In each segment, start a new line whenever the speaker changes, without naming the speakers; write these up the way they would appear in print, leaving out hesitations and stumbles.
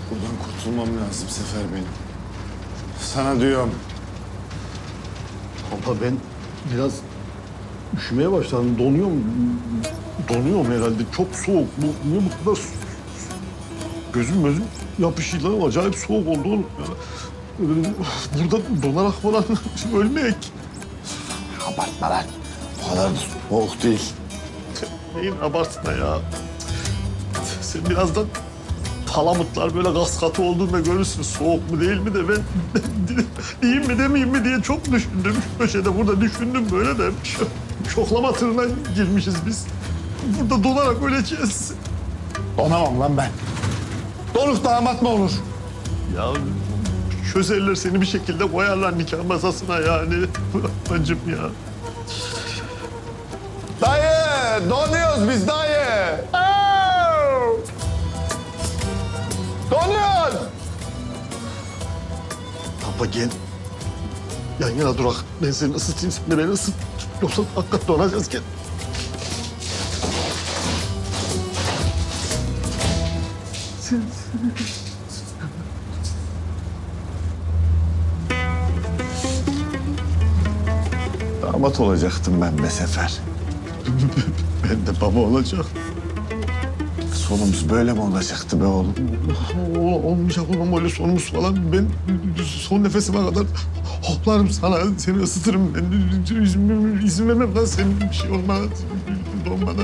Buradan kurtulmam lazım Sefer benim. Sana diyorum.
Ama ben biraz üşümeye başladım. Donuyorum herhalde. Çok soğuk. Niye bu kadar gözüm yapışıyor lan. Acayip soğuk oldu oğlum. Burada donarak falan ölmeyek.
Abartma lan. O kadar da soğuk değil.
Neyin abartma ya. Sen birazdan palamutlar böyle gaz katı olduğunda görürsün. Soğuk mu değil mi de ben diyeyim mi demeyeyim mi diye çok düşündüm. Köşede burada düşündüm böyle de şoklama tırına girmişiz biz. Burada donarak öleceğiz.
Donamam lan ben. Donuk damat mı olur?
Ya çözerler seni bir şekilde koyarlar nikah masasına yani. Bacım ya.
Dayı! Donuyoruz biz dayı! Donuyoruz!
Papa gel. Yan yana durak. Ben seni ısıtayım, sen de beni ısıt. Yoksa hakikaten donacağız gel.
Damat olacaktım ben be Sefer.
Ben de baba olacak.
Sonumuz böyle mi olacaktı be oğlum?
Olmayacak oğlum öyle sonumuz falan. Ben son nefesime kadar hoplarım sana. Seni ısıtırım. Ben izin vermem lan senin bir şey olmana. Olmana.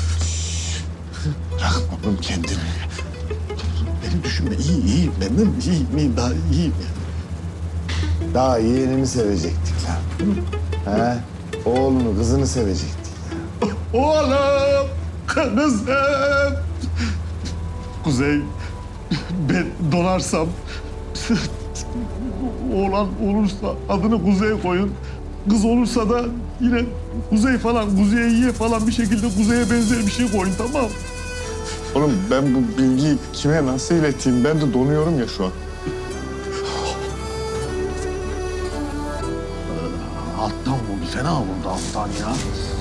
Bırakma oğlum kendini.
Beni düşünme. İyi. Benden iyiyim. Daha iyiyim yani.
Daha yeğenini sevecektik lan. He? Oğlunu, kızını sevecektik.
Oğlum, kızım. Kuzey, ben donarsam, oğlan olursa adını Kuzey koyun. Kız olursa da yine Kuzey falan, Kuzey'e falan bir şekilde Kuzey'e benzer bir şey koyun, tamam.
Oğlum ben bu bilgiyi kime nasıl ileteyim? Ben de donuyorum ya şu an.
Alttan vurdu, fena vurdu alttan ya.